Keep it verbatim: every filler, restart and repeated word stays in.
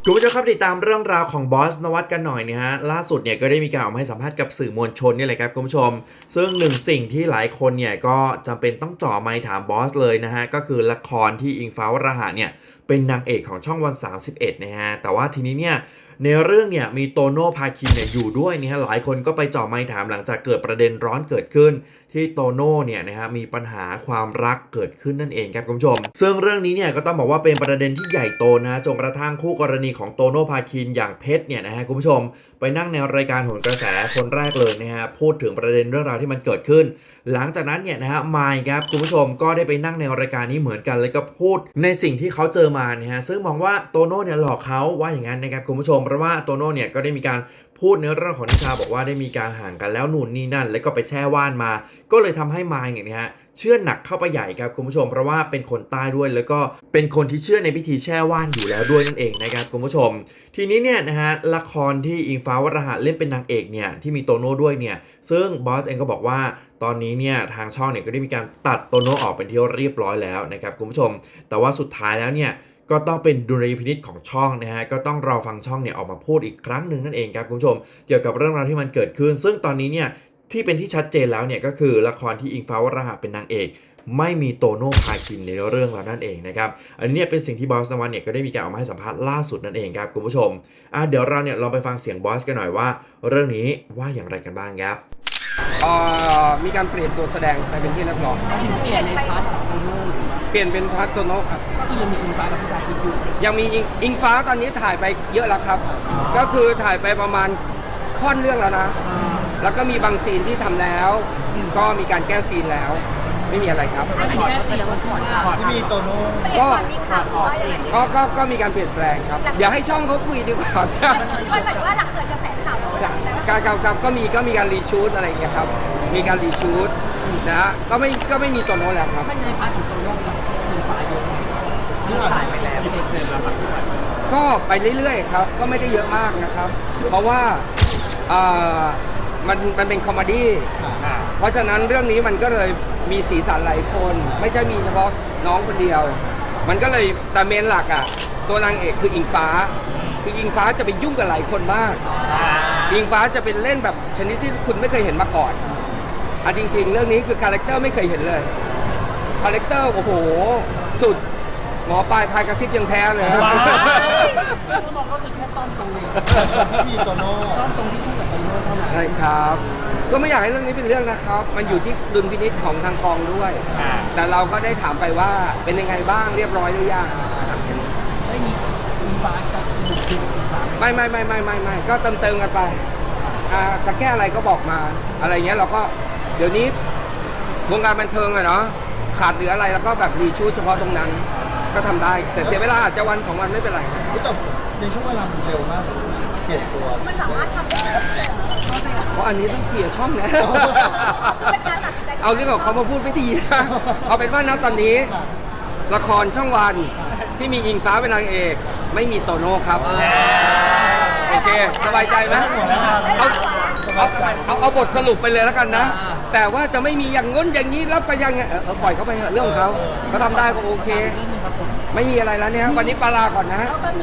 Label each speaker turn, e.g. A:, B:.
A: คุณผู้ชมครับติดตามเรื่องราวของบอสนวัตกันหน่อยนะฮะล่าสุดเนี่ยก็ได้มีการออกมาให้สัมภาษณ์กับสื่อมวลชนนี่แหละครับคุณผู้ชมซึ่งหนึ่งสิ่งที่หลายคนเนี่ยก็จำเป็นต้องจ่อไมค์ถามบอสเลยนะฮะก็คือละครที่อิงฟ้าวราหะเนี่ยเป็นนางเอกของช่องวันสามสิบเอ็ดนะฮะแต่ว่าทีนี้เนี่ยในเรื่องเนี่ยมีโตโน่พาคินเนี่ยอยู่ด้วยนะฮะหลายคนก็ไปจ่อไมค์ถามหลังจากเกิดประเด็นร้อนเกิดขึ้นที่โตโน่เนี่ยนะฮะมีปัญหาความรักเกิดขึ้นนั่นเองครับคุณผู้ชมซึ่งเรื่องนี้เนี่ยก็ต้องบอกว่าเป็นประเด็นที่ใหญ่โตนะจนกระทั่งคู่กรณีของโตโน่พาคินอย่างเพชรเนี่ยนะฮะคุณผู้ชมไปนั่งในรายการโหนกระแสคนแรกเลยนะฮะพูดถึงประเด็นเรื่องราวที่มันเกิดขึ้นหลังจากนั้นเนี่ยนะฮะมายครับคุณผู้ชมก็ได้ไปนั่งในรายการนี้เหมือนกันแล้วก็พูดในสิ่งที่เขาเจอมานะฮะซึ่งมองว่าโตโน่เนี่ยหลอกเขาว่าอย่างนั้นนะครับคุณผู้ชมเพราะว่าโตโน่เนี่ยก็ได้มีการพูดในเรื่องของนิชาบอกว่าได้มีการห่างกันแล้วนู่นนี่นั่นแล้วก็ไปแช่ว่านมาก็เลยทำให้มายเนี่ยนะฮะเชื่อหนักเข้าไปใหญ่ครับคุณผู้ชมเพราะว่าเป็นคนใต้ด้วยแล้วก็เป็นคนที่เชื่อในพิธีแช่ว่านอยู่แล้วด้วยนั่นเองนะครับคุณผู้ชมทีนี้เนี่ยนะฮะละครที่อิงฟ้าวราหะเล่นเป็นนางเอกเนี่ยที่มีโตโน่ด้วยเนี่ยซึ่งบอสเองก็บอกว่าตอนนี้เนี่ยทางช่องเนี่ยก็ได้มีการตัดโตโน่ออกเป็นที่เรียบร้อยแล้วนะครับคุณผู้ชมแต่ว่าสุดท้ายแล้วเนี่ยก็ต้องเป็นดุลยพินิจของช่องนะฮะก็ต้องรอฟังช่องเนี่ยออกมาพูดอีกครั้งหนึ่งนั่นเองครับคุณผู้ชมเกี่ยวกับเรื่องราวที่มันเกิดขึ้นซึ่งตอนนี้เนี่ยที่เป็นที่ชัดเจนแล้วเนี่ยก็คือละครที่อิงฟ้าวราหะเป็นนางเอกไม่มีโตโน่พาคินในเรื่องแล้วนั่นเองนะครับอันนี้เป็นสิ่งที่บอสนวัตเนี่ยก็ได้มีการออกมาให้สัมภาษณ์ล่าสุดนั่นเองครับคุณผู้ชมอ่ะเดี๋ยวเราเนี่ยลองไปฟังเสียงบอสกันหน่อยว่าเรื่องนี้ว่าอย่างไรกันบ้างครับ
B: เอ่อมีการเปลี่ยนตัวแสดงไปเป็นที่เรียบร้อย
C: เปลี่ยนในพาร์ทของโตโน่
B: เปลี่ยนเป็นพาร์ทโตโน่ครับ
C: ก็คือยังมีอิงฟ้ากับพิชาคิดอยู่
B: ยังมีอิงอิงฟ้าตอนนี้ถ่ายไปเยอะแล้วครับก็คือถ่ายไปประมาณค่อนเรื่องแล้วนะแล้วก็มีบางซีนที่ทำแล้วก็มีการแก้ซีนแล้วไม่มีอะไรครับ
C: อันนี้แค่เสียงถอดถอด
D: ที่มีโตโน่
B: ก็ก็ก็ก็มีการเปลี่ยนแปลงครับเดี๋ยวให้ช่องเขาคุยดีกว่า
E: มันหมายถึงว่าหลังเกิดกระแสข่าว
B: การการการก็มีก็มีการรีชูตอะไรอย่างเงี้ยครับมีการรีชูตนะฮะก็ไม่ก็ไม่มีโตโน่แล้วครับ
C: ไม่ในพาร์ทของโตโน่กับอิงฟ้าเยอะที่ถ่ายไปแล้วเสร็จแล้วครับ
B: ก็ไปเรื่อยๆครับก็ไม่ได้เยอะมากนะครับเพราะว่ามันมันเป็นคอมเมดี้เพราะฉะนั้นเรื่องนี้มันก็เลยมีสีสันหลายคนไม่ใช่มีเฉพาะน้องคนเดียวมันก็เลยแต่เมนหลักอ่ะตัวนางเอกคืออิงฟ้าคืออิงฟ้าจะไปยุ่งกับหลายคนมากอิงฟ้าจะเป็นเล่นแบบชนิดที่คุณไม่เคยเห็นมาก่อนอ่ะจริงๆเรื่องนี้คือคาแรคเตอร์ไม่เคยเห็นเลยคาแรคเตอร์โอ้โหสุดหมอปลายพายกระซิบยังแพ้เลย
C: คือมองก็คือแค่ซ่อมตรงนี้
D: มีโตโน่
C: ซ่อมตรงที่พูดกับโตโน่เท่านั้น
B: ใช่ครับก็ไม่อยากให้เรื่องนี้เป็นเรื่องนะครับมันอยู่ที่ดุลพินิจของทางกองด้วยแต่เราก็ได้ถามไปว่าเป็นยังไงบ้างเรียบร้อยหรือยัง
C: ไม่มีอิงฟ้าจะบุกอิงฟ้า
B: ไม่ไม่ไม่ไม่ไม่ไม่ก็เติมเติมกันไปจะแก้อะไรก็บอกมาอะไรเงี้ยเราก็เดี๋ยวนี้วงการบันเทิงอะเนาะขาดเหลืออะไรแล้วก็แบบรีชูตเฉพาะตรงนั้นก็ทำได้เสร็จเสียเวลาอาจจะวันสองวันไม่เป็นไร
D: แต่ในช่วงเวลามันเร็วมากเปลี่ยนตัว
E: มันสามารถทำได้
B: เพราะอันนี้ต้องเคลียร์ช่องนะเอาเรื่องของเขามาพูดไม่ดีนะเอาเป็นว่าณตอนนี้ละครช่องวันที่มีอิงฟ้าเป็นนางเอกไม่มีโตโน่ครับโอเคสบายใจไหมเอาเอาเอาเอาบทสรุปไปเลยแล้วกันนะแต่ว่าจะไม่มีอย่างง้นอย่างนี้แล้วไปยังเออปล่อยเขาไปเถอะเรื่องของเขาเขาทำได้ก็โอเคไม่มีอะไรแล้วเนี่ยวันนี้ปลาลาก่อนนะ